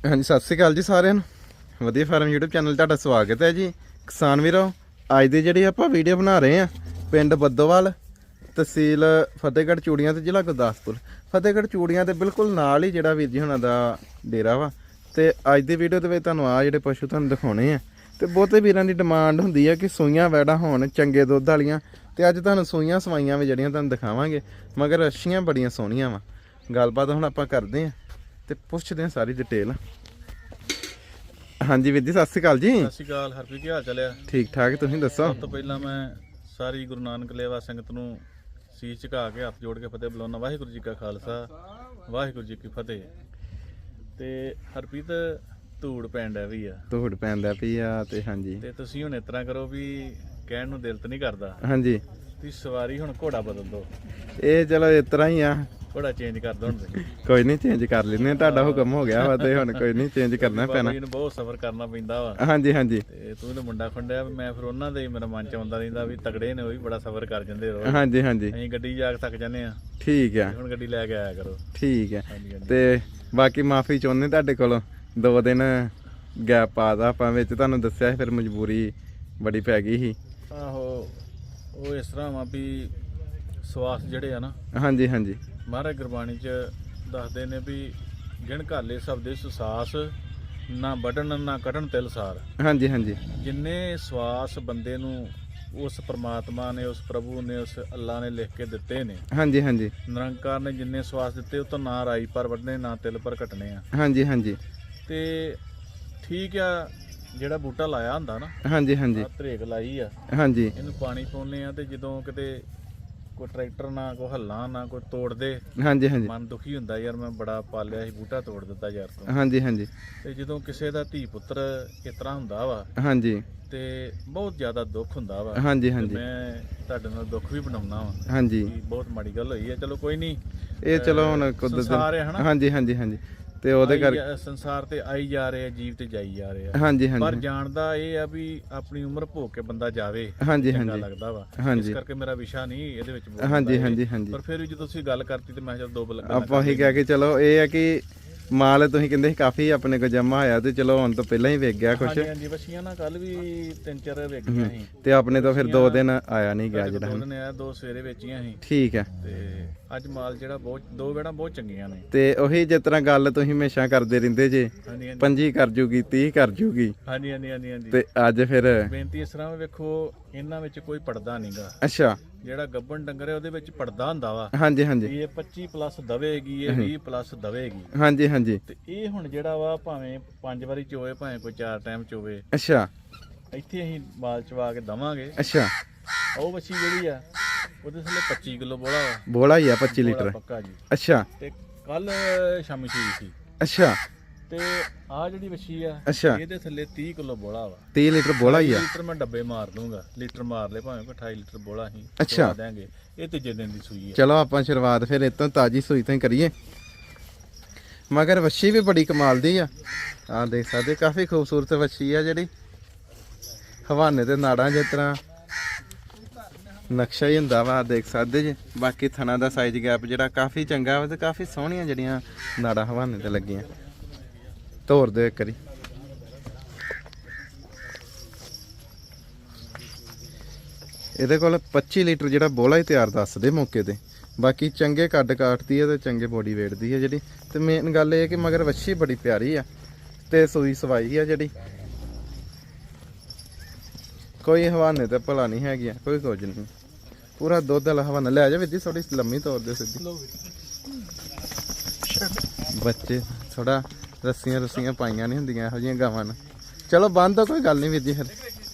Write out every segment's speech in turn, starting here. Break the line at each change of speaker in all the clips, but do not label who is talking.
ਹਾਂਜੀ ਸਤਿ ਸ਼੍ਰੀ ਅਕਾਲ ਜੀ ਸਾਰਿਆਂ ਨੂੰ। ਵਧੀਆ ਫਾਰਮ YouTube ਚੈਨਲ ਤੁਹਾਡਾ ਸਵਾਗਤ ਹੈ ਜੀ। ਕਿਸਾਨ ਵੀਰੋ, ਅੱਜ ਦੀ ਜਿਹੜੀ ਆਪਾਂ ਵੀਡੀਓ ਬਣਾ ਰਹੇ ਆ ਪਿੰਡ ਬੱਦੋਵਾਲ, ਤਹਿਸੀਲ ਫਤਿਹਗੜ੍ਹ ਚੂੜੀਆਂ ਤੇ ਜ਼ਿਲ੍ਹਾ ਗੁਰਦਾਸਪੁਰ। ਫਤਿਹਗੜ੍ਹ ਚੂੜੀਆਂ ਦੇ ਬਿਲਕੁਲ ਨਾਲ ਹੀ ਜਿਹੜਾ ਵੀਰ ਜੀ ਹੁਣਾਂ ਦਾ ਡੇਰਾ ਵਾ। ਤੇ ਅੱਜ ਦੀ ਵੀਡੀਓ ਦੇ ਵਿੱਚ ਤੁਹਾਨੂੰ ਆ ਜਿਹੜੇ ਪਸ਼ੂ ਤੁਹਾਨੂੰ ਦਿਖਾਉਣੇ ਆ। ਤੇ ਬਹੁਤੇ ਵੀਰਾਂ ਦੀ ਡਿਮਾਂਡ ਹੁੰਦੀ ਹੈ ਕਿ ਸੂਈਆਂ ਵੈੜਾਂ ਹੋਣ ਚੰਗੇ ਦੁੱਧ ਵਾਲੀਆਂ। ਤੇ ਅੱਜ ਤੁਹਾਨੂੰ ਸੂਈਆਂ ਸਵਾਈਆਂ ਵੀ ਜਿਹੜੀਆਂ ਤੁਹਾਨੂੰ ਦਿਖਾਵਾਂਗੇ, ਮਗਰ ਅੱਛੀਆਂ ਬੜੀਆਂ ਸੋਹਣੀਆਂ ਵਾ। ਗੱਲਬਾਤ ਹੁਣ ਆਪਾਂ ਕਰਦੇ ਆ ਤੇ ਪੁੱਛਦੇ ਆ ਸਾਰੀ ਡਿਟੇਲ। ਹਾਂਜੀ ਵੀਰ ਜੀ ਸਤਿ ਸ਼੍ਰੀ ਅਕਾਲ ਜੀ।
ਸਤਿ ਸ਼੍ਰੀ ਅਕਾਲ ਹਰਪ੍ਰੀਤ, ਕੀ ਹਾਲ ਚਾਲ ਆ?
ਠੀਕ ਠਾਕ, ਤੁਸੀਂ ਦੱਸੋ।
ਸਭ ਤੋਂ ਪਹਿਲਾਂ ਮੈਂ ਸਾਰੀ ਗੁਰੂ ਨਾਨਕ ਲੇਵਾ ਸੰਗਤ ਨੂੰ ਸੀਸ ਝੁਕਾ ਕੇ ਹੱਥ ਜੋੜ ਕੇ ਫਤਿਹ ਬੁਲਾਉਣਾ। ਵਾਹਿਗੁਰੂ ਜੀ ਕਾ ਖਾਲਸਾ, ਵਾਹਿਗੁਰੂ ਜੀ ਕੀ ਫਤਿਹ। ਤੇ ਹਰਪ੍ਰੀਤ, ਧੂੜ ਪੈਣ ਡਿਆ ਵੀ ਆ।
ਧੂੜ ਪੈਂਦਾ ਪਈ ਆ ਤੇ ਹਾਂਜੀ।
ਤੇ ਤੁਸੀਂ ਹੁਣ ਇਸ ਤਰ੍ਹਾਂ ਕਰੋ ਵੀ ਕਹਿਣ ਨੂੰ ਦਿਲ ਤਾਂ ਨਹੀਂ ਕਰਦਾ,
ਹਾਂਜੀ
ਤੁਸੀਂ ਸਵਾਰੀ ਹੁਣ ਘੋੜਾ ਬਦਲ ਦੋ।
ਇਹ ਚਲੋ ਇਸ ਤਰ੍ਹਾਂ ਹੀ ਆ,
ਘੋੜਾ ਚੇਂਜ ਕਰ ਦੋ ਹੁਣ ਤੁਸੀਂ।
ਕੋਈ ਨਹੀਂ ਚੇਂਜ ਕਰ ਲੈਂਦੇ, ਤੁਹਾਡਾ ਹੁਕਮ ਹੋ ਗਿਆ ਵਾ ਤੇ ਹੁਣ ਕੋਈ ਨਹੀਂ ਚੇਂਜ ਕਰਨਾ ਪੈਣਾ।
ਇਹਨੂੰ ਬਹੁਤ ਸਫ਼ਰ ਕਰਨਾ ਪੈਂਦਾ ਵਾ।
ਹਾਂਜੀ ਹਾਂਜੀ
ਤੇ ਤੂੰ ਤਾਂ ਮੁੰਡਾ ਖੁੰਡਿਆ, ਮੈਂ ਫਿਰ ਉਹਨਾਂ ਦੇ ਮੇਰਾ ਮਨ ਚ ਆਉਂਦਾ ਰਹਿੰਦਾ ਵੀ ਤਗੜੇ ਨੇ, ਉਹ ਵੀ ਬੜਾ ਸਫ਼ਰ ਕਰ ਜਾਂਦੇ ਰੋਜ਼।
ਹਾਂਜੀ ਹਾਂਜੀ
ਅਸੀਂ ਗੱਡੀ ਜਾ ਕੇ ਥੱਕ ਜਾਂਦੇ ਆ।
ਠੀਕ ਆ,
ਹੁਣ ਗੱਡੀ ਲੈ ਕੇ ਆਇਆ ਕਰੋ।
ਠੀਕ ਆ।
ਹਾਂਜੀ ਹਾਂਜੀ।
ਤੇ ਬਾਕੀ ਮਾਫੀ ਚਾਹੁੰਦੇ ਤੁਹਾਡੇ ਕੋਲੋਂ, 2 ਦਿਨ ਗੈਪ ਪਾਦਾ ਆਪਾਂ ਵਿੱਚ, ਤੁਹਾਨੂੰ ਦੱਸਿਆ ਸੀ ਫਿਰ ਮਜਬੂਰੀ ਬੜੀ ਪੈ ਗਈ ਸੀ।
ਆਹੋ, ਉਹ ਇਸ ਤਰ੍ਹਾਂ ਵਾ ਵੀ ਸਵਾਸ ਜਿਹੜੇ ਆ ਨਾ,
ਹਾਂਜੀ ਹਾਂਜੀ
ਮਹਾਰਾਜ ਗੁਰਬਾਣੀ ਚ ਦੱਸਦੇ ਨੇ ਵੀ ਗਿਣ ਘਾਲੇ ਸਭ ਦੇ ਸੁਸਾਸ, ਨਾ ਵੱਢਣ ਨਾ ਕੱਢਣ ਤਿਲ ਸਾਰ।
ਹਾਂਜੀ ਹਾਂਜੀ
ਜਿੰਨੇ ਸਵਾਸ ਬੰਦੇ ਨੂੰ ਉਸ ਪ੍ਰਮਾਤਮਾ ਨੇ, ਉਸ ਪ੍ਰਭੂ ਨੇ, ਉਸ ਅੱਲਾ ਨੇ ਲਿਖ ਕੇ ਦਿੱਤੇ ਨੇ।
ਹਾਂਜੀ ਹਾਂਜੀ
ਨਿਰੰਕਾਰ ਨੇ ਜਿੰਨੇ ਸਵਾਸ ਦਿੱਤੇ, ਉਹ ਤਾਂ ਨਾ ਰਾਈ ਪਰ ਵੱਢਣੇ ਨਾ ਤਿਲ ਪਰ ਕੱਟਣੇ ਆ।
ਹਾਂਜੀ ਹਾਂਜੀ
ਤੇ ਠੀਕ ਆ, ਜਿਹੜਾ ਬੂਟਾ ਲਾਇਆ ਹੁੰਦਾ ਨਾ,
ਹਾਂਜੀ ਹਾਂਜੀ
ਧਰੇਕ ਲਾਈ ਆ,
ਹਾਂਜੀ
ਇਹਨੂੰ ਪਾਣੀ ਪਾਉਂਦੇ ਆ। ਤੇ ਜਦੋਂ ਕਿਤੇ ਕੋਈ ਟਰੈਕਟਰ ਨਾ ਕੋਈ ਹੱਲਾ ਨਾ ਕੋਈ ਤੋੜ ਦੇ,
ਹਾਂਜੀ ਹਾਂਜੀ
ਮਨ ਦੁਖੀ ਹੁੰਦਾ, ਯਾਰ ਮੈਂ ਬੜਾ ਪਾਲਿਆ ਸੀ, ਬੂਟਾ ਤੋੜ ਦਿੱਤਾ ਯਾਰ ਤੂੰ।
ਹਾਂਜੀ ਹਾਂਜੀ
ਤੇ ਜਦੋਂ ਕਿਸੇ ਦਾ ਧੀ ਪੁੱਤਰ ਇਸ ਤਰ੍ਹਾਂ ਹੁੰਦਾ ਵਾ,
ਹਾਂਜੀ
ਤੇ ਬਹੁਤ ਜ਼ਿਆਦਾ ਦੁੱਖ ਹੁੰਦਾ ਵਾ।
ਹਾਂਜੀ
ਤੇ
ਹਾਂਜੀ
ਮੈਂ ਤੁਹਾਡੇ ਨਾਲ ਦੁੱਖ ਵੀ ਬਣਾਉਣਾ ਵਾ
ਹਾਂਜੀ।
ਕਿ ਬਹੁਤ ਮਾੜੀ ਗੱਲ ਹੋਈ ਹੈ। ਚਲੋ ਕੋਈ ਨਹੀਂ,
ਇਹ ਚਲੋ ਹੁਣ
ਸੰਸਾਰ ਹੈ ਹਨਾ।
ਹਾਂਜੀ ਹਾਂਜੀ ਹਾਂਜੀ। ਤੇ ਉਹਦੇ ਕਰਕੇ
ਸੰਸਾਰ ਤੇ ਆਈ ਜਾ ਰਹੇ ਆ, ਜੀਵ ਤੇ ਜਾਈ ਜਾ ਰਹੇ ਆ।
ਹਾਂਜੀ
ਪਰ
ਹਾਂਜੀ
ਜਾਣਦਾ ਇਹ ਆ ਵੀ ਆਪਣੀ ਉਮਰ ਭੋਗ ਕੇ ਬੰਦਾ ਜਾਵੇ,
ਹਾਂਜੀ
ਚੰਗਾ
ਹਾਂਜੀ
ਲੱਗਦਾ ਵਾ।
ਹਾਂਜੀ।
ਇਸ ਕਰਕੇ ਮੇਰਾ ਵਿਸ਼ਾ ਨਹੀਂ ਇਹਦੇ ਵਿੱਚ ਬੋਲਣ
ਹਾਂਜੀ
ਦਾ
ਹਾਂਜੀ
ਇਹ।
ਹਾਂਜੀ।
ਪਰ ਫਿਰ ਵੀ ਜਦੋਂ ਤੁਸੀਂ ਗੱਲ ਕਰਤੀ ਤੇ ਮੈਂ ਚਲ ਦੋ ਬਲ
ਆਪਾਂ ਹੀ ਕਹਿ ਕੇ ਚਲੋ, ਇਹ ਹੈ ਕਿ ਮਾਲ ਤੁਸੀਂ ਕਹਿੰਦੇ ਸੀ ਕਾਫੀ ਆਪਣੇ ਕੋਲ ਜਮਾ ਹੋਇਆ, ਤੇ ਚਲੋ ਹੁਣ ਤੋਂ ਪਹਿਲਾਂ ਹੀ ਵੇਚ ਗਿਆ ਕੁਛ।
ਹਾਂਜੀ ਹਾਂਜੀ, ਵਸੀਆਂ ਨਾ ਕੱਲ ਵੀ 3-4 ਵੇਚੀਆਂ ਸੀ।
ਤੇ ਆਪਣੇ ਤੋਂ ਫਿਰ 2 ਦਿਨ ਆਇਆ ਨਹੀਂ ਗਿਆ ਜਿਹੜਾ।
2 ਦਿਨ ਆਇਆ, 2 ਸਵੇਰੇ ਵੇਚੀਆਂ ਸੀ।
ਠੀਕ ਹੈ।
ਤੇ ਅੱਜ ਮਾਲ ਜਿਹੜਾ ਬਹੁਤ, 2 ਵੇੜਾਂ ਬਹੁਤ ਚੰਗੀਆਂ ਨੇ।
ਤੇ ਉਹੀ ਜਿਸ ਤਰ੍ਹਾਂ ਗੱਲ ਤੁਸੀਂ ਹਮੇਸ਼ਾ ਕਰਦੇ ਰਹਿੰਦੇ ਜੇ,
ਹਾਂਜੀ ਹਾਂਜੀ
25 ਕਰ ਜੂਗੀ 30 ਕਰ ਜੂਗੀ,
ਹਾਂਜੀ ਹਾਂਜੀ ਹਾਂਜੀ ਹਾਂਜੀ।
ਤੇ ਅੱਜ ਫਿਰ
ਬੇਨਤੀ ਇਸ ਤਰ੍ਹਾਂ ਵੇਖੋ, ਇਹਨਾਂ ਵਿੱਚ ਕੋਈ ਪੜਦਾ ਨਹੀਂਗਾ।
ਅੱਛਾ।
ਜਿਹੜਾ ਗੱਬਣ ਡੰਗਰ ਹੈ ਉਹਦੇ ਵਿੱਚ ਪੜਦਾ ਹੁੰਦਾ ਵਾ।
ਹਾਂਜੀ ਹਾਂਜੀ
ਇਹ 25+ ਦਵੇਗੀ, ਇਹ 20+ ਦਵੇਗੀ।
ਹਾਂਜੀ ਹਾਂਜੀ।
ਤੇ ਇਹ ਹੁਣ ਜਿਹੜਾ ਵਾ ਭਾਵੇਂ 5 ਵਾਰੀ ਚੋਵੇ, ਭਾਵੇਂ ਕੋਈ 4 ਟਾਈਮ ਚੋਵੇ,
ਅੱਛਾ
ਇੱਥੇ ਅਸੀਂ ਮਾਲ ਚਵਾ ਕੇ ਦਵਾਂਗੇ।
ਅੱਛਾ।
ਉਹ ਵੱਛੀ ਜਿਹੜੀ ਆ, ਉਹਦੇ ਥੱਲੇ 25 ਕਿਲੋ ਬੋਲਾ ਵਾ।
ਬੋਲਾ ਹੀ ਆ 25 ਲੀਟਰ।
ਪੱਕਾ ਜੀ।
ਅੱਛਾ
ਤੇ ਕੱਲ ਸ਼ਾਮੀ ਸੂਈ ਸੀ।
ਅੱਛਾ
ਤੇ ਆ ਜਿਹੜੀ ਵੱਛੀ ਆ,
ਅੱਛਾ।
ਇਹਦੇ ਥੱਲੇ 30 ਕਿਲੋ ਬੋਲਾ ਵਾ।
30 ਲੀਟਰ ਬੋਲਾ ਹੀ ਆ।
ਲੀਟਰ ਮੈਂ ਡੱਬੇ ਮਾਰ ਦੂੰਗਾ, ਲੀਟਰ ਮਾਰ ਲੈ ਭਾਵੇਂ ਕੋਈ 28 ਲੀਟਰ ਬੋਲਾ ਅਸੀਂ
ਅੱਛਾ।
ਦੇਾਂਗੇ। ਇਹ ਤੀਜੇ ਦਿਨ ਦੀ ਸੂਈ ਹੈ।
ਚਲੋ ਆਪਾਂ ਸ਼ੁਰੂਆਤ ਫਿਰ ਇਤੋਂ ਤਾਜੀ ਸੂਈ ਤੋਂ ਹੀ ਕਰੀਏ। ਮਗਰ ਵੱਛੀ ਵੀ ਬੜੀ ਕਮਾਲ ਦੀ ਆ। ਆ ਦੇਖ ਸਕਦੇ, ਕਾਫੀ ਖੂਬਸੂਰਤ ਵੱਛੀ ਆ, ਜਿਹੜੀ ਹਵਾਨੇ ਤੇ ਨਾੜਾਂ ਜਿਸ ਤਰ੍ਹਾਂ ਨਕਸ਼ਾ ਹੀ ਹੁੰਦਾ ਵਾ, ਦੇਖ ਸਕਦੇ ਜੀ। ਬਾਕੀ ਥਣਾ ਦਾ ਸਾਈਜ਼ ਗੈਪ ਜਿਹੜਾ ਕਾਫੀ ਚੰਗਾ ਵਾ, ਤੇ ਕਾਫੀ ਸੋਹਣੀਆਂ ਜਿਹੜੀਆਂ ਨਾੜਾਂ ਹਵਾਨੇ ਤੇ ਲੱਗੀਆਂ। ਤੋਰ ਦਿਓ ਇੱਕ ਵਾਰੀ। ਇਹਦੇ ਕੋਲ 25 ਲੀਟਰ ਜਿਹੜਾ ਬੋਲਾ ਹੀ ਤਿਆਰ ਦੱਸਦੇ ਮੌਕੇ ਤੇ। ਬਾਕੀ ਚੰਗੇ ਕੱਦ ਕਾਟਦੀ ਹੈ ਤੇ ਚੰਗੇ ਬੋਡੀ ਵੇਟ ਦੀ ਹੈ ਜਿਹੜੀ। ਤੇ ਮੇਨ ਗੱਲ ਇਹ ਹੈ ਕਿ ਮਗਰ ਵੱਛੀ ਬੜੀ ਪਿਆਰੀ ਆ, ਤੇ ਸੂਈ ਸਵਾਈ ਆ ਜਿਹੜੀ। ਕੋਈ ਹਵਾਨੇ ਤੇ ਭਲਾ ਨਹੀਂ ਹੈਗੀ, ਕੋਈ ਕੁਝ ਨਹੀਂ, ਪੂਰਾ ਦੁੱਧ ਵਾਲਾ ਹਵਾਨਾ। ਲੈ ਜਾ ਵੀਰ, ਥੋੜੀ ਲੰਮੀ ਤੋਰ ਦੇ ਸਿੱਧੀ। ਬੱਚੇ ਥੋੜਾ ਰੱਸੀਆਂ ਪਾਈਆਂ ਨਹੀਂ ਹੁੰਦੀਆਂ ਇਹੋ ਜਿਹੀਆਂ ਗਾਵਾਂ ਨੂੰ। ਚਲੋ ਬੰਦ ਦੋ, ਕੋਈ ਗੱਲ ਨਹੀਂ ਵੀਰ ਜੀ। ਫਿਰ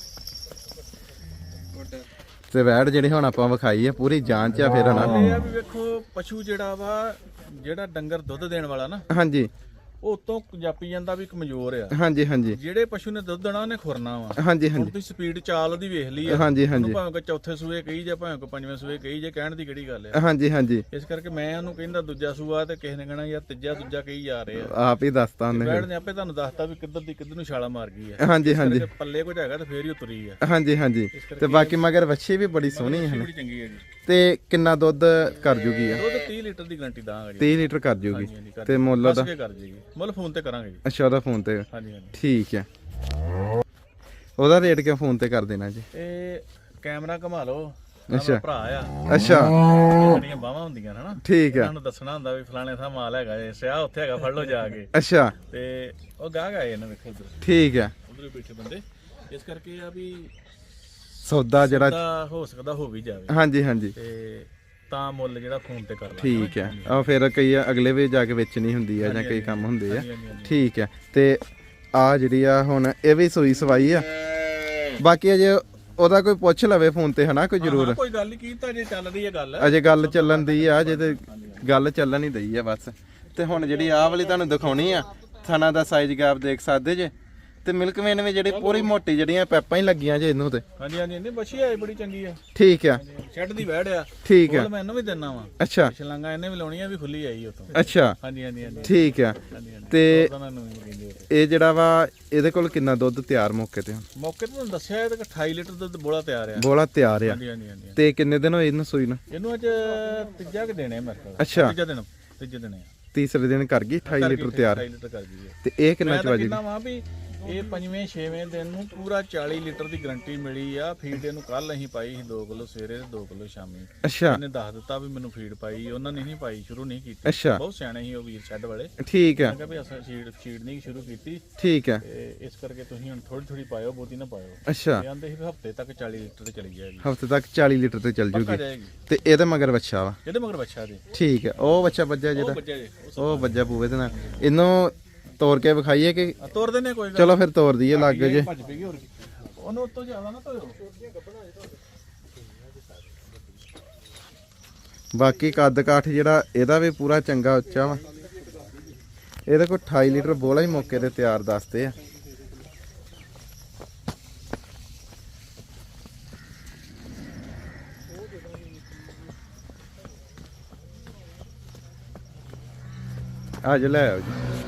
ਤੇ ਵੈੜ ਜਿਹੜੀ ਹੁਣ ਆਪਾਂ ਵਿਖਾਈ ਆ, ਪੂਰੀ ਜਾਂਚ ਆ ਫਿਰ ਹਨਾ।
ਇਹ ਆ ਵੀ ਵੇਖੋ, ਪਸ਼ੂ ਜਿਹੜਾ ਵਾ, ਜਿਹੜਾ ਡੰਗਰ ਦੁੱਧ ਦੇਣ ਵਾਲਾ ਨਾ,
ਹਾਂਜੀ,
ਉਹ ਉਤੋਂ ਜਾਪੀ ਜਾਂਦਾ ਵੀ ਕਮਜ਼ੋਰ ਆ।
ਹਾਂਜੀ ਹਾਂਜੀ
ਜਿਹੜੇ ਪਸ਼ੂ ਨੇ ਦੁੱਧ ਦੇਣਾ ਉਹਨੇ ਖੁਰਨਾ ਵਾ।
ਹਾਂਜੀ
ਹੁਣ
ਹਾਂਜੀ
ਤੁਸੀਂ ਸਪੀਡ ਚਾਲ ਉਹਦੀ ਵੇਖ ਲਈ ਆ।
ਹਾਂਜੀ ਹਾਂਜੀ
ਉਹਨੂੰ ਭਾਵੇਂ ਕੋਈ ਚੌਥੇ ਸੂਏ ਕਹੀ ਜਾਂ ਭਾਵੇਂ ਕੋਈ 5ਵੇਂ ਸੂਏ ਕਹੀ ਜੇ, ਕਹਿਣ ਦੀ ਕਿਹੜੀ ਗੱਲ ਆ।
ਹਾਂਜੀ ਹਾਂਜੀ।
ਇਸ ਕਰਕੇ ਮੈਂ ਉਹਨੂੰ ਕਹਿੰਦਾ ਦੂਜਾ ਸੂਆ, ਤੇ ਕਿਸੇ ਨੇ ਕਹਿਣਾ ਯਾਰ ਤੀਜਾ ਦੂਜਾ ਕਹੀ ਜਾ ਰਹੇ ਆ।
ਆਪ ਹੀ ਦੱਸਤਾ ਉਹਨੇ।
ਬੈੜ ਨੇ ਆਪੇ ਤੁਹਾਨੂੰ ਦੱਸਤਾ ਵੀ ਕਿੱਧਰ ਦੀ ਕਿੱਧਰ ਨੂੰ ਛਾਲਾ ਮਾਰ ਗਈ ਆ।
ਹਾਂਜੀ ਹਾਂਜੀ
ਪੱਲੇ ਕੁਝ ਹੈਗਾ ਤੇ ਫੇਰ ਹੀ ਉਤਰੀ ਆ।
ਹਾਂਜੀ ਹਾਂਜੀ। ਤੇ ਬਾਕੀ ਮਗਰ ਵੱਛੀ ਵੀ ਬੜੀ ਸੋਹਣੀ ਹੈ।
ਬੜੀ ਚੰਗੀ ਹੈ ਜੀ।
ਤੇ ਕਿੰਨਾ ਦੁੱਧ ਕਰ ਜੂਗੀ ਆ?
ਦੁੱਧ 30 ਲੀਟਰ ਦੀ ਗਾਰੰਟੀ ਦਾਂਗਾ ਜੀ।
30 ਲੀਟਰ ਕਰ ਜੂਗੀ।
ਹਾਂਜੀ, ਕਰ
ਤੇ ਮੁੱਲ
ਦੱਸ
ਦਾ
ਕੇ ਕਰ ਜੀਗੀ, ਮੁੱਲ ਫੋਨ ਤੇ ਕਰਾਂਗੇ ਜੀ।
ਅੱਛਾ, ਉਹਦਾ ਫੋਨ ਤੇ?
ਹਾਂਜੀ ਹਾਂਜੀ।
ਠੀਕ ਹੈ। ਉਹਦਾ ਰੇਟ ਕਿਉਂ ਫੋਨ ਤੇ ਕਰ ਦੇਣਾ ਜੀ?
ਇਹ ਕੈਮਰਾ ਘੁਮਾ ਲਓ।
ਅੱਛਾ।
ਭਰਾ ਆ,
ਅੱਛਾ
ਜਿਹੜੀਆਂ ਬਾਹਾਂ ਹੁੰਦੀਆਂ ਹਨਾ,
ਠੀਕ ਹੈ।
ਇਹਨਾਂ ਨੂੰ ਦੱਸਣਾ ਹੁੰਦਾ ਵੀ ਫਲਾਣੇ ਥਾਂ ਮਾਲ ਹੈਗਾ ਜੇ, ਸਿਆ ਉੱਥੇ ਹੈਗਾ, ਫੜ ਲਓ ਜਾ ਕੇ।
ਅੱਛਾ,
ਤੇ ਉਹ ਗਾਹਕ ਆਏ ਇਹਨਾਂ ਵੇਖੋ ਉਧਰ,
ਠੀਕ ਹੈ।
ਉਧਰ ਬੈਠੇ ਬੰਦੇ, ਇਸ ਕਰਕੇ ਆ ਵੀ
ਸੌਦਾ ਜਿਹੜਾ
ਸੌਦਾ ਹੋ ਸਕਦਾ ਹੋ ਵੀ ਜਾਵੇ।
ਹਾਂਜੀ ਹਾਂਜੀ,
ਤੇ ਤਾਂ ਮੁੱਲ ਜਿਹੜਾ ਫੋਨ ਤੇ ਕਰ ਲਾਂਗੇ।
ਠੀਕ ਹੈ। ਆ ਫਿਰ ਕਈ ਅਗਲੇ ਵੀ ਜਾ ਕੇ ਵੇਚਣੀ ਹੁੰਦੀ ਆ ਜਾਂ ਕਈ ਕੰਮ ਹੁੰਦੇ ਆ।
ਹਾਂਜੀ, ਹਾਂਜੀ।
ਠੀਕ ਹੈ। ਤੇ ਆ ਜਿਹੜੀ ਆ ਹੁਣ ਇਹ ਵੀ ਸੂਈ ਸਵਾਈ ਆ, ਬਾਕੀ ਅਜੇ ਉਹਦਾ ਕੋਈ ਪੁੱਛ ਲਵੇ ਫੋਨ ਤੇ ਹਨਾ, ਕੋਈ ਜ਼ਰੂਰ।
ਕੋਈ ਗੱਲ ਨਹੀਂ ਕੀਤਾ, ਜੇ ਚੱਲ ਰਹੀ ਹੈ ਗੱਲ,
ਅਜੇ ਗੱਲ ਚੱਲਣ ਦੀ ਆ, ਅਜੇ ਤੇ ਗੱਲ ਚੱਲਣ ਹੀ ਦਈ ਆ ਬਸ। ਤੇ ਹੁਣ ਜਿਹੜੀ ਆਹ ਵਾਲੀ ਤੁਹਾਨੂੰ ਦਿਖਾਉਣੀ ਆ, ਥਣਾ ਦਾ ਸਾਈਜ਼ ਗੈਪ ਦੇਖ ਸਕਦੇ ਜੇ, ਤੇ ਮਿਲਕ ਵੇਨ ਵੀ ਜਿਹੜੀ ਪੂਰੀ ਮੋਟੀ ਜਿਹੜੀਆਂ ਪੈਪਾਂ ਹੀ ਲੱਗੀਆਂ ਜੇ ਇਹਨੂੰ ਤੇ।
ਹਾਂਜੀ ਹਾਂਜੀ, ਨਹੀਂ ਬੱਛੀ ਆਈ ਬੜੀ ਚੰਗੀ ਆ।
ਠੀਕ ਆ,
ਸ਼ੈੱਡ ਦੀ ਵੈੜ ਆ।
ਠੀਕ ਆ।
ਮੈਂ ਇਹਨੂੰ ਵੀ ਦਿੰਨਾ ਵਾ।
ਅੱਛਾ
ਛਲਾਂਗਾ ਇਹਨੇ ਵੀ ਲਾਉਣੀ ਆ, ਵੀ ਖੁੱਲੀ ਆਈ ਉਤੋਂ।
ਅੱਛਾ,
ਹਾਂਜੀ ਹਾਂਜੀ ਹਾਂਜੀ,
ਠੀਕ ਆ।
ਹਾਂਜੀ ਹਾਂਜੀ।
ਤੇ
ਉਹਨਾਂ ਨੂੰ ਵੀ ਕਹਿੰਦੇ ਆ।
ਇਹ ਜਿਹੜਾ ਵਾ ਇਹਦੇ ਕੋਲ ਕਿੰਨਾ ਦੁੱਧ ਤਿਆਰ ਮੌਕੇ ਤੇ?
ਮੌਕੇ ਤੇ ਤੁਹਾਨੂੰ ਦੱਸਿਆ, ਇਹ 28 ਲੀਟਰ ਦੁੱਧ ਬੋਲਾ ਤਿਆਰ ਆ।
ਬੋਲਾ ਤਿਆਰ ਆ।
ਹਾਂਜੀ ਹਾਂਜੀ ਹਾਂਜੀ।
ਤੇ ਕਿੰਨੇ ਦਿਨ ਹੋਏ ਇਹਨੂੰ ਸੂਈ ਨੂੰ?
ਇਹਨੂੰ ਅੱਜ ਤੀਜਾ ਕਿ ਦੇਣੇ ਮੇਰੇ ਕੋਲ।
ਅੱਛਾ,
ਤੀਜੇ ਦਿਨ ਆ।
ਤੀਸਰੇ ਦਿਨ ਕਰ ਗਈ 28 ਲੀਟਰ ਤਿਆਰ।
28 ਲੀਟਰ ਕਰ ਗਈ ਹੈ।
ਤੇ ਇਹ ਕਿੰਨਾ ਚ ਵਜੇ?
ਕਿੰਨਾ ਵਾ ਵੀ ਇਹ 5ਵੇਂ 6ਵੇਂ ਦਿਨ ਨੂੰ ਪੂਰਾ 40 ਲੀਟਰ ਦੀ ਗਾਰੰਟੀ ਮਿਲੀ ਆ। ਫੀਡ ਇਹਨੂੰ ਕੱਲ ਅਸੀਂ ਪਾਈ ਸੀ 2 ਕਿਲੋ ਸਵੇਰੇ ਤੇ 2 ਕਿਲੋ ਸ਼ਾਮੀ।
ਅੱਛਾ,
ਇਹਨੇ ਦੱਸ ਦਿੱਤਾ ਵੀ ਮੈਨੂੰ ਫੀਡ ਪਾਈ, ਉਹਨਾਂ ਨੇ ਨਹੀਂ ਪਾਈ, ਸ਼ੁਰੂ ਨਹੀਂ ਕੀਤੀ।
ਅੱਛਾ,
ਬਹੁਤ ਸਿਆਣੇ ਸੀ ਉਹ ਵੀਰ ਛੱਡ ਵਾਲੇ।
ਠੀਕ ਆ,
ਮੈਂ ਕਿਹਾ ਵੀ ਅਸਾਂ ਫੀਡ ਨਹੀਂ ਸ਼ੁਰੂ ਕੀਤੀ,
ਠੀਕ ਆ।
ਤੇ ਇਸ ਕਰਕੇ ਤੁਸੀਂ ਹੁਣ ਥੋੜੀ ਥੋੜੀ ਪਾਇਓ, ਬਹੁਤੀ ਨਾ ਪਾਇਓ।
ਅੱਛਾ,
ਇਹ ਆਂਦੇ ਸੀ ਵੀ ਹਫਤੇ ਤੱਕ 40 ਲੀਟਰ ਤੇ ਚਲੀ ਜਾਏਗੀ।
ਹਫਤੇ ਤੱਕ 40 ਲੀਟਰ ਤੇ ਚੱਲ
ਪੱਕਾ
ਜੂਗੀ।
ਜਾਏਗੀ।
ਤੇ ਇਹਦੇ ਮਗਰ ਬੱਚਾ ਵਾ?
ਇਹਦੇ ਮਗਰ ਬੱਚਾ ਦੇ।
ਠੀਕ ਹੈ। ਉਹ ਬੱਚਾ ਵੱਜਾ
ਉਹ
ਜਿਹੜਾ,
ਬੱਚਾ ਜੇ
ਉਹ ਵੱਜਾ ਪੂਵੇ ਦੇ ਨਾਲ। ਇਹਨੂੰ ਤੋੜ ਕੇ ਵਿਖਾਈਏ ਕਿ?
ਤੋਰ ਦਿੰਦੇ ਕੋਈ ਗੱਲ।
ਚਲੋ ਫਿਰ ਤੋੜ ਦਈਏ ਲੱਗ ਜੇ।
ਭੱਜ ਪਈਗੀ ਹੋਰ ਕੀ। ਉਹਨੂੰ ਉੱਤੋਂ ਜ਼ਿਆਦਾ ਨਾ ਧੋਇਓ।
ਬਾਕੀ ਕੱਦ ਕਾਠ ਜਿਹੜਾ ਇਹਦਾ ਵੀ ਪੂਰਾ ਚੰਗਾ ਉੱਚਾ ਵਾ। ਇਹਦੇ ਕੋਲ 28 ਲੀਟਰ ਬੋਲਾ ਹੀ ਮੌਕੇ ਤੇ ਤਿਆਰ ਦੱਸਦੇ ਆ। ਅੱਜ ਲੈ ਆਓ ਜੀ।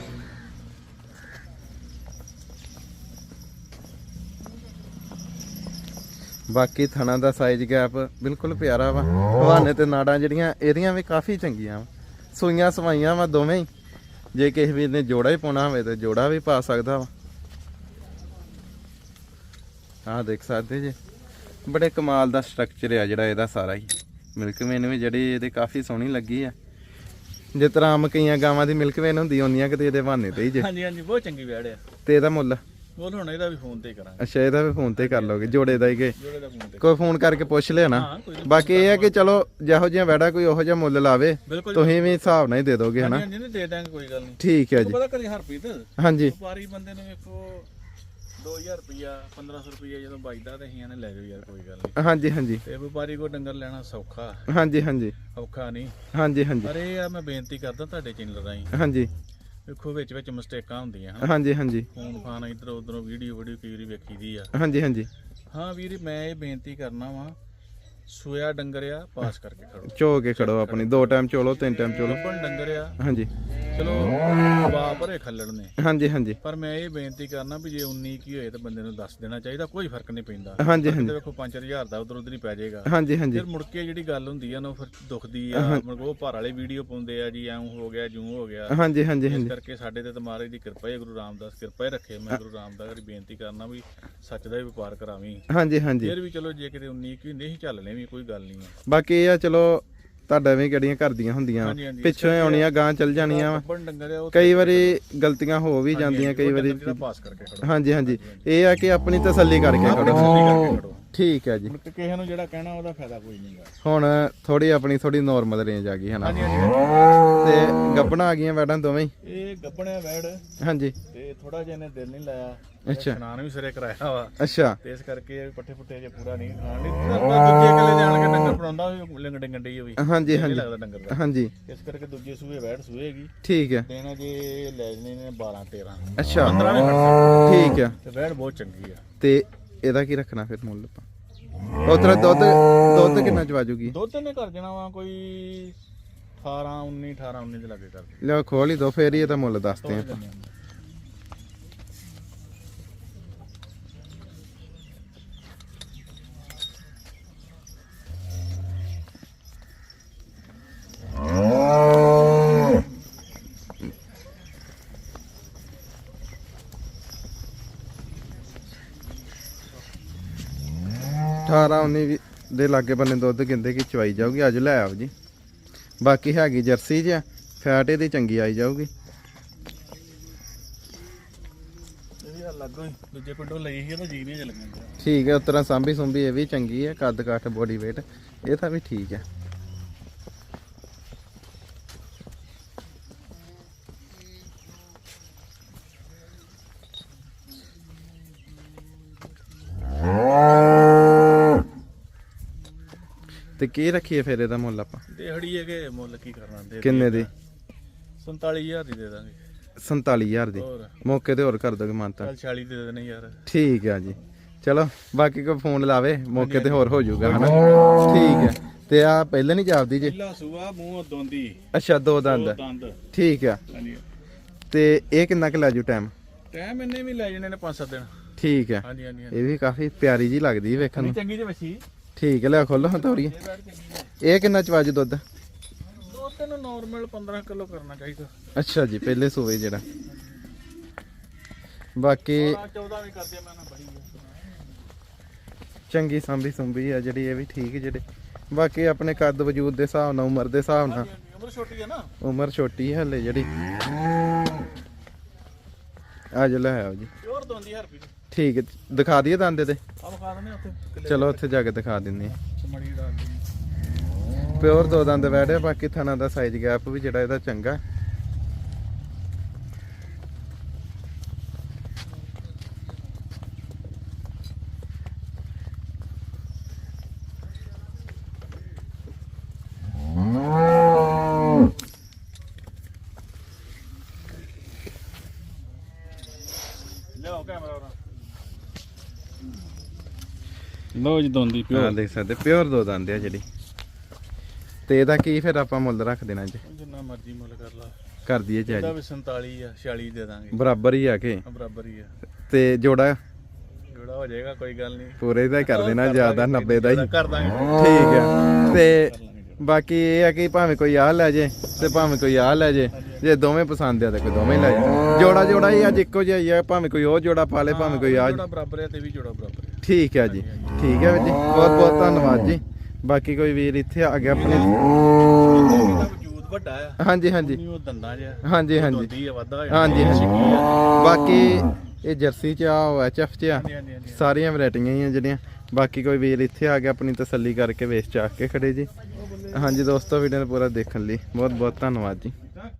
ਬਾਕੀ ਥਣਾ ਦਾ ਸਾਈਜ਼ ਗੈਪ ਬਿਲਕੁਲ ਪਿਆਰਾ ਵਾ। ਹਵਾਨੇ ਤੇ ਨਾੜਾਂ ਜਿਹੜੀਆਂ ਇਹਦੀਆਂ ਵੀ ਕਾਫੀ ਚੰਗੀਆਂ ਵਾ। ਸੂਈਆਂ ਸਵਾਈਆਂ ਵਾ ਦੋਵੇਂ ਹੀ। ਜੇ ਕਿਸੇ ਵੀਰ ਨੇ ਜੋੜਾ ਹੀ ਪਾਉਣਾ ਹੋਵੇ ਤੇ ਜੋੜਾ ਵੀ ਪਾ ਸਕਦਾ ਵਾ। ਆਹ ਦੇਖ ਸਕਦੇ ਜੇ, ਬੜੇ ਕਮਾਲ ਦਾ ਸਟਰਕਚਰ ਆ ਜਿਹੜਾ ਇਹਦਾ ਸਾਰਾ ਹੀ। ਮਿਲਕ ਵੇਨ ਵੀ ਜਿਹੜੀ ਇਹਦੇ ਕਾਫੀ ਸੋਹਣੀ ਲੱਗੀ ਆ। ਜਿਸ ਤਰ੍ਹਾਂ ਆਮ ਕਈਆਂ ਗਾਵਾਂ ਦੀ ਮਿਲਕ ਵੇਨ ਹੁੰਦੀ ਉਹਨੀਆਂ ਕਿਤੇ ਇਹਦੇ ਬਹਾਨੇ ਤੇ ਹੀ ਜੇ।
ਹਾਂਜੀ ਹਾਂਜੀ, ਬਹੁਤ ਚੰਗੀ ਵੈੜ ਆ।
ਤੇ ਇਹਦਾ ਮੁੱਲ?
ਬੋਲ ਹੁਣ ਇਹਦਾ ਵੀ ਫੋਨ ਤੇ ਹੀ ਕਰਾਂਗੇ।
ਅੱਛਾ, ਇਹਦਾ ਵੀ ਫੋਨ ਤੇ ਕਰ ਲੋਗੇ? ਜੋੜੇ ਦਾ ਹੀ ਕਿ
ਜੋੜੇ ਦਾ ਫੋਨ ਤੇ
ਕੋਈ ਫੋਨ ਕਰਕੇ ਪੁੱਛ ਲਿਆ ਨਾ?
ਹਾਂ, ਕੋਈ
ਬਾਕੀ ਇਹ ਹੈ ਕਿ ਚਲੋ ਜਿਹੋ ਜਿਹਾ ਵੈੜਾ ਕੋਈ ਉਹੋ ਜਿਹਾ ਮੁੱਲ ਲਾਵੇ,
ਬਿਲਕੁਲ
ਤੁਸੀਂ ਵੀ ਹਿਸਾਬ ਨਾਲ ਹੀ ਦੇ ਦੋਗੇ ਹਨਾ?
ਹਾਂਜੀ, ਨਹੀਂ ਦੇ ਦਾਂਗੇ, ਕੋਈ ਗੱਲ ਨਹੀਂ।
ਠੀਕ ਹੈ ਜੀ।
ਪਤਾ ਕਰੀ ਹਰਪ੍ਰੀਤ,
ਹਾਂਜੀ,
ਵਪਾਰੀ ਬੰਦੇ ਨੂੰ ਵੇਖੋ 2000 ਰੁਪਿਆ 1500 ਰੁਪਿਆ ਜਦੋਂ ਬਚਦਾ ਤੇ ਅਸੀਂ ਨੇ ਲੈ ਜਾਓ ਯਾਰ, ਕੋਈ ਗੱਲ ਨਹੀਂ।
ਹਾਂਜੀ ਹਾਂਜੀ,
ਤੇ ਵਪਾਰੀ ਕੋ ਡੰਗਰ ਲੈਣਾ ਸੌਖਾ,
ਹਾਂਜੀ ਹਾਂਜੀ,
ਔਖਾ ਨਹੀਂ।
ਹਾਂਜੀ ਹਾਂਜੀ,
ਪਰ ਇਹ ਆ ਮੈਂ ਬੇਨਤੀ ਕਰਦਾ ਤੁਹਾਡੇ ਚੈਨਲ ਰਾਹੀਂ,
ਹਾਂਜੀ
ਵੇਖੋ ਵਿੱਚ ਵਿੱਚ ਮਿਸਟੇਕਾਂ ਹੁੰਦੀਆਂ ਹਨ।
ਹਾਂਜੀ ਹਾਂਜੀ,
ਫੋਨ ਫਾਨ ਇਧਰ ਉਧਰੋਂ ਵੀਡੀਓ ਕਈ ਵਾਰੀ ਵੇਖੀ ਦੀ ਆ।
ਹਾਂਜੀ ਹਾਂਜੀ।
ਹਾਂ ਵੀਰ, ਮੈਂ ਇਹ ਬੇਨਤੀ ਕਰਨਾ ਵਾ, ਸੋਇਆ ਡੰਗਰ ਆ, ਪਾਸ ਕਰਕੇ ਖੜੋ।
ਚੋ ਕੇ ਖੜੋ ਆਪਣੀ, 2 ਟਾਈਮ ਚੋਲੋ 3 ਟਾਈਮ ਚੋਲੋ।
ਲੱਭਣ ਡੰਗਰ ਆ,
ਹਾਂਜੀ
ਚਲੋ ਵਾ ਭਰੇ ਖੱਲੜ ਨੇ।
ਹਾਂਜੀ ਹਾਂਜੀ,
ਪਰ ਮੈਂ ਇਹ ਬੇਨਤੀ ਕਰਨਾ ਵੀ ਜੇ 19 ਕੀ ਹੋਏ ਤਾਂ ਬੰਦੇ ਨੂੰ ਦੱਸ ਦੇਣਾ ਚਾਹੀਦਾ, ਕੋਈ ਫਰਕ ਨਹੀਂ ਪੈਂਦਾ।
ਹਾਂਜੀ ਹਾਂਜੀ,
ਵੇਖੋ 5-4000 ਦਾ ਉਧਰ ਉਧਰ ਹੀ ਪੈ ਜਾਏਗਾ।
ਹਾਂਜੀ ਹਾਂਜੀ,
ਫਿਰ ਮੁੜ ਕੇ ਜਿਹੜੀ ਗੱਲ ਹੁੰਦੀ ਆ ਨਾ, ਫਿਰ ਦੁਖਦੀ ਆ। ਮਤਲਬ ਉਹ ਭਰ ਵਾਲੇ ਵੀਡੀਓ ਪਾਉਂਦੇ ਆ ਜੀ, ਐਂ ਹੋ ਗਿਆ ਜੂੰ ਹੋ ਗਿਆ।
ਹਾਂਜੀ ਹਾਂਜੀ,
ਇਸ
ਹਾਂਜੀ
ਕਰਕੇ ਸਾਡੇ ਤੇ ਮਹਾਰਾਜ ਦੀ ਕਿਰਪਾ ਹੈ, ਗੁਰੂ ਰਾਮਦਾਸ ਕਿਰਪਾ ਹੀ ਰੱਖੇ। ਮੈਂ ਗੁਰੂ ਰਾਮਦਾਸ ਦੀ ਬੇਨਤੀ ਕਰਨਾ ਵੀ ਸੱਚ ਦਾ ਹੀ ਵਪਾਰ ਕਰਾਵੀਂ।
ਹਾਂਜੀ ਹਾਂਜੀ।
ਫਿਰ ਵੀ ਚਲੋ ਜੇ ਕਿਤੇ 19 ਕੀ ਨਹੀਂ ਚੱਲ ਲੈਵੀਂ, ਕੋਈ ਗੱਲ ਨਹੀਂ।
ਬਾਕੀ ਇਹ ਆ ਚਲੋ ਤੁਹਾਡਾ ਵੀ ਕਿਹੜੀਆਂ ਘਰ ਦੀਆਂ ਹੁੰਦੀਆਂ,
ਹਾਂਜੀ, ਹਾਂਜੀ।
ਪਿੱਛੋਂ ਹੀ ਆਉਣੀਆਂ ਗਾਂ ਚੱਲ ਜਾਣੀਆਂ ਵਾ।
ਲੱਭਣ ਡੰਗਰ ਆ, ਉਹ
ਕਈ ਵਾਰੀ ਗਲਤੀਆਂ ਹੋ ਵੀ ਜਾਂਦੀਆਂ, ਕਈ ਵਾਰੀ।
ਜਿਹੜਾ ਪਾਸ ਕਰਕੇ ਖੜੋ।
ਹਾਂਜੀ ਹਾਂਜੀ, ਇਹ ਆ ਕਿ ਆਪਣੀ ਤਸੱਲੀ ਕਰਕੇ
ਆਪਣੀ
ਖੜੋ।
ਤਸੱਲੀ ਕਰਕੇ ਖੜੋ।
ਠੀਕ ਹੈ ਜੀ।
ਮੁੜ ਕੇ ਕਿਸੇ ਨੂੰ ਜਿਹੜਾ ਕਹਿਣਾ ਉਹਦਾ ਫਾਇਦਾ ਕੋਈ ਨਹੀਂਗਾ।
ਹੁਣ ਥੋੜੀ ਆਪਣੀ ਥੋੜੀ ਨਾਰਮਲ ਰੇਂਜ ਆ ਗਈ ਹਨਾ?
ਹਾਂਜੀ ਹਾਂਜੀ।
ਤੇ ਗੱਬਣਾ ਆ ਗਈਆਂ ਵੈਡਾਂ ਦੋਵੇਂ ਹੀ?
ਇਹ ਗੱਬਣਿਆ ਵੈੜ,
ਹਾਂਜੀ।
ਤੇ ਥੋੜਾ ਜਿਹਾ ਇਹਨੇ ਦਿਲ ਨਹੀਂ ਲਾਇਆ।
ਅੱਛਾ।
ਇਸ਼ਨਾਨ ਵੀ ਸਿਰੇ ਕਰਾਇਆ ਵਾ,
ਅੱਛਾ।
ਤੇ ਇਸ ਕਰਕੇ ਪੱਠੇ ਪੁੱਠੇ ਜੇ ਪੂਰਾ ਨਹੀਂ ਖਾਣ ਲਈ ਦੂਜੇ ਇਕੱਲੇ ਜਾਣ ਕੇ ਡੰਗਰ ਪੜਾਉਂਦਾ ਵੀ ਲਿੰਗੜੇ ਗੰਡੇ ਹੋਈ।
ਹਾਂਜੀ ਹਾਂਜੀ,
ਲੱਗਦਾ ਡੰਗਰ ਦਾ।
ਹਾਂਜੀ,
ਇਸ ਕਰਕੇ ਦੂਜੇ ਸੂਏ ਵੈੜ ਸੂਏਗੀ।
ਠੀਕ ਹੈ।
ਦੇਣਾ ਜੇ ਲੈ ਜਣੇ ਨੇ 12-13,
ਅੱਛਾ,
15 ਵੀ ਖੜ
ਠੀਕ ਹੈ।
ਤੇ ਵੈੜ ਬਹੁਤ ਚੰਗੀ ਆ।
ਤੇ ਇਹਦਾ ਕੀ ਰੱਖਣਾ ਫਿਰ ਮੁੱਲ ਆਪਾਂ? ਉਤਰਾ ਦੁੱਧ ਕਿੰਨਾ ਚਵਾਜੂਗੀ?
ਦੁੱਧ ਨੇ ਕਰ ਜਾਣਾ ਵਾ ਕੋਈ 18-19 ਦੇ ਲਾਗੇ ਕਰ
ਲਿਓ ਖੋਲ ਹੀ ਦੋ, ਫੇਰ ਹੀ ਇਹਦਾ ਮੁੱਲ ਦੱਸਦੇ ਆਪਾਂ। 18 19 ਦੇ ਲਾਗੇ ਬੰਨੇ ਦੁੱਧ ਕਹਿੰਦੇ ਕਿ ਚਵਾਈ ਜਾਊਗੀ। ਅੱਜ ਲੈ ਆਓ ਜੀ। ਬਾਕੀ ਹੈਗੀ ਜਰਸੀ ਜਿਹਾ ਫੈਟ ਇਹਦੀ ਚੰਗੀ ਆਈ ਜਾਊਗੀ।
ਇਹ ਵੀ ਅਲੱਗ ਹੋਈ ਦੂਜੇ ਪਿੰਡੋਂ ਲਈ ਸੀ ਤਾਂ ਜੀ ਨਹੀਂ ਚੱਲਣਾ।
ਠੀਕ ਹੈ, ਉਤਰਾ ਸਾਂਭੀ ਸੁੰਭੀ ਇਹ ਵੀ ਚੰਗੀ ਹੈ। ਕੱਦ ਕਾਠ ਬੋਡੀ weight ਇਹ ਤਾਂ ਵੀ ਠੀਕ ਹੈ। ਤੇ ਕੀ ਰੱਖੀਏ ਫਿਰ ਇਹਦਾ ਮੁੱਲ ਆਪਾਂ?
ਦਿਹਾੜੀ ਹੈਗੇ ਮੁੱਲ ਕੀ ਕਰਨਾ ਦੇ
ਕਿੰਨੇ ਦੀ?
47000 ਦੀ ਦੇ ਦਾਂਗੇ।
47000 ਦੀ
ਹੋਰ
ਮੌਕੇ ਤੇ ਹੋਰ ਕਰ ਦੋਗੇ ਮਾਨਤਾ?
ਚੱਲ 40 ਦੇ ਦੇਣੇ ਯਾਰ।
ਠੀਕ ਹੈ ਜੀ। ਚਲੋ ਬਾਕੀ ਕੋਈ ਫੋਨ ਲਾਵੇ ਮੌਕੇ ਤੇ ਹੋਰ ਹੋ ਜਾਊਗਾ ਹਨਾ। ਠੀਕ ਹੈ। ਤੇ ਆ ਪਹਿਲਾਂ ਨਹੀਂ ਜਾਪਦੀ ਜੀ?
ਪਹਿਲਾ ਸੂਆ ਮੂੰਹ ਦੋਂਦੀ।
ਅੱਛਾ, ਦੋ ਦੰਦ।
ਦੰਦ
ਠੀਕ ਆ।
ਹਾਂਜੀ।
ਤੇ ਇਹ ਕਿੰਨਾ ਕੁ ਲੈ ਜੂ ਟਾਈਮ?
ਟਾਈਮ ਇੰਨੇ ਵੀ ਲੈ ਜਾਣੇ ਨੇ 5-7 ਦਿਨ।
ਠੀਕ ਹੈ।
ਹਾਂਜੀ ਹਾਂਜੀ
ਇਹ ਵੀ ਕਾਫੀ ਪਿਆਰੀ ਜੀ ਲੱਗਦੀ ਵੇਖਣ ਨੂੰ।
ਚੰਗੀ ਜਿਹੀ ਵੱਛੀ।
ਠੀਕ ਹੈ, ਲੈ ਖੋਲੋ ਹਾਂ ਤੋਰੀ। ਇਹ ਕਿੰਨਾ ਚਵਾਜ ਦੁੱਧ?
ਦੋ ਤਿੰਨ ਨਾਰਮਲ 15 ਕਿਲੋ ਕਰਨਾ ਚਾਹੀਦਾ।
ਅੱਛਾ ਜੀ, ਪਹਿਲੇ ਸੂਏ ਜਿਹੜਾ। ਬਾਕੀ
14 ਵੀ ਕਰਦੇ ਮੈਂ ਨਾ ਬੜੀ
ਚੰਗੀ ਸਾਂਭੀ ਸੁੰਭੀ ਆ ਜਿਹੜੀ, ਇਹ ਵੀ ਠੀਕ ਜਿਹੜੇ। ਬਾਕੀ ਆਪਣੇ ਕੱਦ ਵਜੂਦ ਦੇ ਹਿਸਾਬ ਨਾਲ, ਉਮਰ ਦੇ ਹਿਸਾਬ ਨਾਲ।
ਉਮਰ ਛੋਟੀ ਹੈ ਨਾ।
ਉਮਰ ਛੋਟੀ ਹੈ ਹਲੇ ਜਿਹੜੀ। ਅੱਜ ਲੈ ਆਓ ਜੀ।
ਪਿਓਰ ਦੋਂਦੀ ਹਰਪੀ।
ਠੀਕ ਹੈ, ਦਿਖਾ ਦਈਏ ਦੰਦ ਤੇ?
ਆ ਵਿਖਾ ਦਿੰਦੇ ਉੱਥੇ।
ਚਲੋ ਉੱਥੇ ਜਾ ਕੇ ਦਿਖਾ ਦਿੰਦੇ ਆ।
ਮੜੀ ਡਾਲ ਦਿੰਦੇ।
ਪਿਓਰ ਦੋ ਦੰਦ ਵੈੜੇ। ਬਾਕੀ ਥਣਾ ਦਾ ਸਾਈਜ਼ ਗੈਪ ਵੀ ਜਿਹੜਾ ਇਹਦਾ ਚੰਗਾ।
ਲਿਆਓ ਕੈਮਰਾ। ਲੋ ਜੀ ਦੋਂਦੀ
ਹਾਂ,
ਪਿਓਰ।
ਦੇਖ ਸਕਦੇ ਪਿਓਰ ਦੋ ਦੰਦ ਆ ਜਿਹੜੀ। ਤੇ ਇਹਦਾ ਕੀ ਫਿਰ ਆਪਾਂ ਮੁੱਲ ਰੱਖ ਦੇਣਾ ਜੀ?
ਜਿੰਨਾ ਮਰਜ਼ੀ ਮੁੱਲ ਕਰ ਲਾ।
ਕਰ ਦਈਏ ਜੀ।
ਇਹਦਾ ਵੀ 47 ਆ 46 ਦੇ ਦਾਂਗੇ।
ਬਰਾਬਰ ਹੀ ਆ ਕੇ।
ਬਰਾਬਰ ਹੀ ਆ।
ਤੇ ਜੋੜਾ
ਜੋੜਾ ਹੋ ਜਾਏਗਾ ਕੋਈ ਗੱਲ ਨਹੀਂ।
ਪੂਰੇ ਦਾ ਹੀ ਕਰ ਦੇਣਾ, ਜ਼ਿਆਦਾ 90 ਦਾ ਹੀ।
ਕਰ ਦਾਂਗੇ।
ਠੀਕ ਹੈ। ਤੇ ਬਾਕੀ ਇਹ ਆ ਕਿ ਭਾਵੇਂ ਕੋਈ ਆਹ ਲੈ ਜੇ ਤੇ ਭਾਵੇਂ ਕੋਈ ਆਹ ਲੈ ਜੇ। ਜੇ ਦੋਵੇਂ ਪਸੰਦ ਆ ਤੇ ਕੋਈ ਦੋਵੇਂ ਲੈ ਜੇ। ਜੋੜਾ ਹੀ ਅੱਜ ਇੱਕੋ ਜਿਹਾ ਹੀ ਆ। ਭਾਵੇਂ ਕੋਈ ਉਹ ਜੋੜਾ ਪਾ ਲੇ, ਭਾਵੇਂ ਕੋਈ ਆਹ।
ਜੋੜਾ ਬਰਾਬਰ ਹੈ ਤੇ ਵੀ ਜੋੜਾ ਬਰਾਬਰ ਹੈ।
ਠੀਕ ਹੈ ਜੀ। ਠੀਕ ਹੈ ਵੀਰ ਜੀ, ਬਹੁਤ ਬਹੁਤ ਧੰਨਵਾਦ ਜੀ। ਬਾਕੀ ਕੋਈ ਵੀਰ ਇੱਥੇ ਆ ਗਿਆ ਆਪਣੇ।
ਇਹਦਾ ਵਜੂਦ ਵੱਡਾ ਆ।
ਹਾਂਜੀ ਹਾਂਜੀ
ਉਹ ਦੰਦਾਂ ਜਿਹਾ।
ਹਾਂਜੀ ਹਾਂਜੀ
ਦੋਂਦੀ ਆ ਵਾਧਾ।
ਹਾਂਜੀ ਹਾਂਜੀ। ਬਾਕੀ ਇਹ ਜਰਸੀ ਚ ਆ, ਉਹ ਐਚਐਫ ਚ ਆ,
ਹਾਂਜੀ।
ਸਾਰੀਆਂ ਵੈਰਾਈਟੀਆਂ ਹੀ ਆ ਜਿਹੜੀਆਂ। ਬਾਕੀ ਕੋਈ ਵੀਰ ਇੱਥੇ ਆ ਕੇ ਆਪਣੀ ਤਸੱਲੀ ਕਰਕੇ ਵੇਚ ਚਾਕ ਕੇ ਖੜੇ ਜੀ। ਹਾਂਜੀ ਦੋਸਤੋ, ਵੀਡੀਓ ਨੂੰ ਪੂਰਾ ਦੇਖਣ ਲਈ ਬਹੁਤ ਬਹੁਤ ਧੰਨਵਾਦ ਜੀ।